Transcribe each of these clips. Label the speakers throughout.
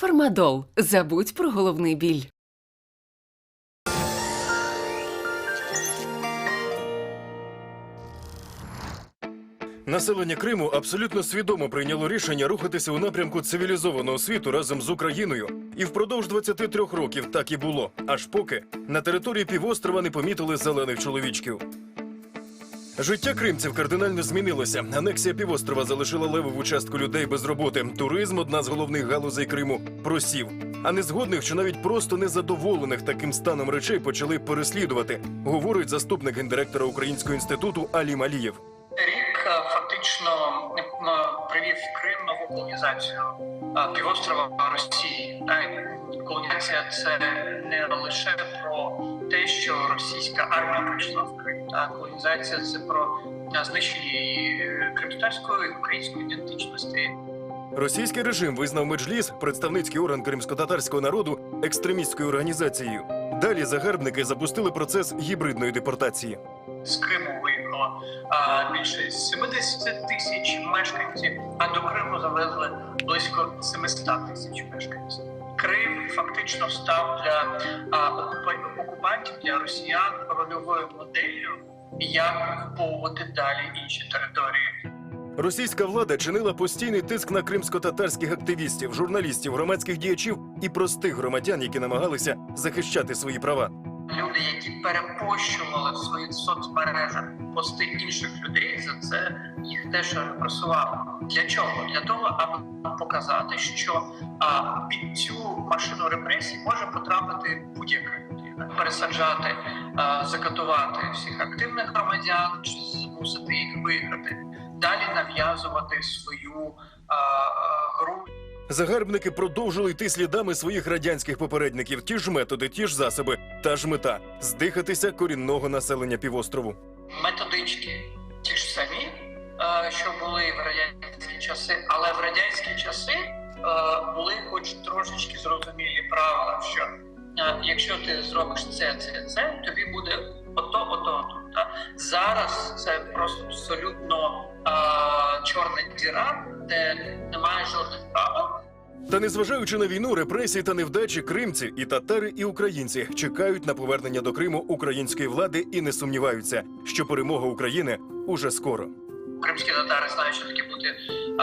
Speaker 1: Фармадол. Забудь про головний біль.
Speaker 2: Населення Криму абсолютно свідомо прийняло рішення рухатися у напрямку цивілізованого світу разом з Україною. І впродовж 23 років так і було. Аж поки на території півострова не помітили зелених чоловічків. Життя кримців кардинально змінилося. Анексія півострова залишила левову частку людей без роботи. Туризм – одна з головних галузей Криму – просів. А незгодних, що навіть просто незадоволених таким станом речей почали переслідувати, говорить заступник гендиректора Українського інституту Алім Алієв.
Speaker 3: Рік фактично привів Крим нову колонізацію півострова Росії. Колонізація – це не лише про те, що російська армія прийшла в Крим. Колонізація – це про знищення і кримської, і української ідентичності.
Speaker 2: Російський режим визнав Меджліс, представницький орган кримськотатарського народу, екстремістською організацією. Далі загарбники запустили процес гібридної депортації.
Speaker 3: З Криму виїхало більше 70 тисяч мешканців, а до Криму завезли близько 700 тисяч мешканців. Крим фактично став для окупантів, для росіян рольовою моделлю, як окуповувати далі інші території.
Speaker 2: Російська влада чинила постійний тиск на кримсько-татарських активістів, журналістів, громадських діячів і простих громадян, які намагалися захищати свої права.
Speaker 3: Люди, які перепощували в своїх соцмережах пости інших людей, за це їх теж репресували. Для чого? Для того, аби показати, що під цю машину репресій може потрапити будь-яка людина. Пересаджати, закатувати всіх активних громадян, чи змусити їх виграти. Далі нав'язувати свою гру.
Speaker 2: Загарбники продовжили йти слідами своїх радянських попередників. Ті ж методи, ті ж засоби, та ж мета – здихатися корінного населення півострову.
Speaker 3: Методички ті ж самі, що були в радянські часи, але в радянські часи були хоч трошечки зрозумілі правила, що якщо ти зробиш це, тобі буде ото. Зараз це просто абсолютно чорна діра, де немає жодних правил.
Speaker 2: Та незважаючи на війну, репресії та невдачі, кримці і татари, і українці чекають на повернення до Криму української влади і не сумніваються, що перемога України уже скоро.
Speaker 3: Кримські татари знають, що таке бути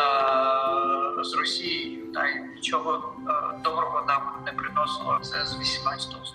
Speaker 3: з Росією, та й нічого доброго нам не приносило. Це з 18 століття.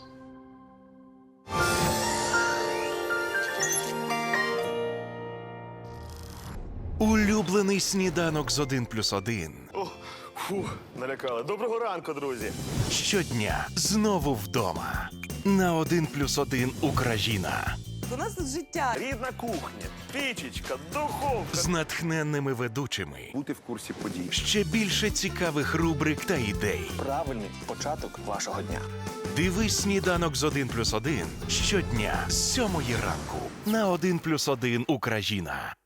Speaker 4: Улюблений сніданок з 1+1.
Speaker 5: Налякали. Доброго ранку, друзі.
Speaker 4: Щодня знову вдома. На 1+1 Україна.
Speaker 6: У нас тут життя.
Speaker 5: Рідна кухня, пічечка, духовка.
Speaker 4: З натхненними ведучими.
Speaker 5: Бути в курсі подій.
Speaker 4: Ще більше цікавих рубрик та ідей.
Speaker 5: Правильний початок вашого дня.
Speaker 4: Дивись сніданок з 1+1 щодня з 7 ранку. На 1+1 Україна.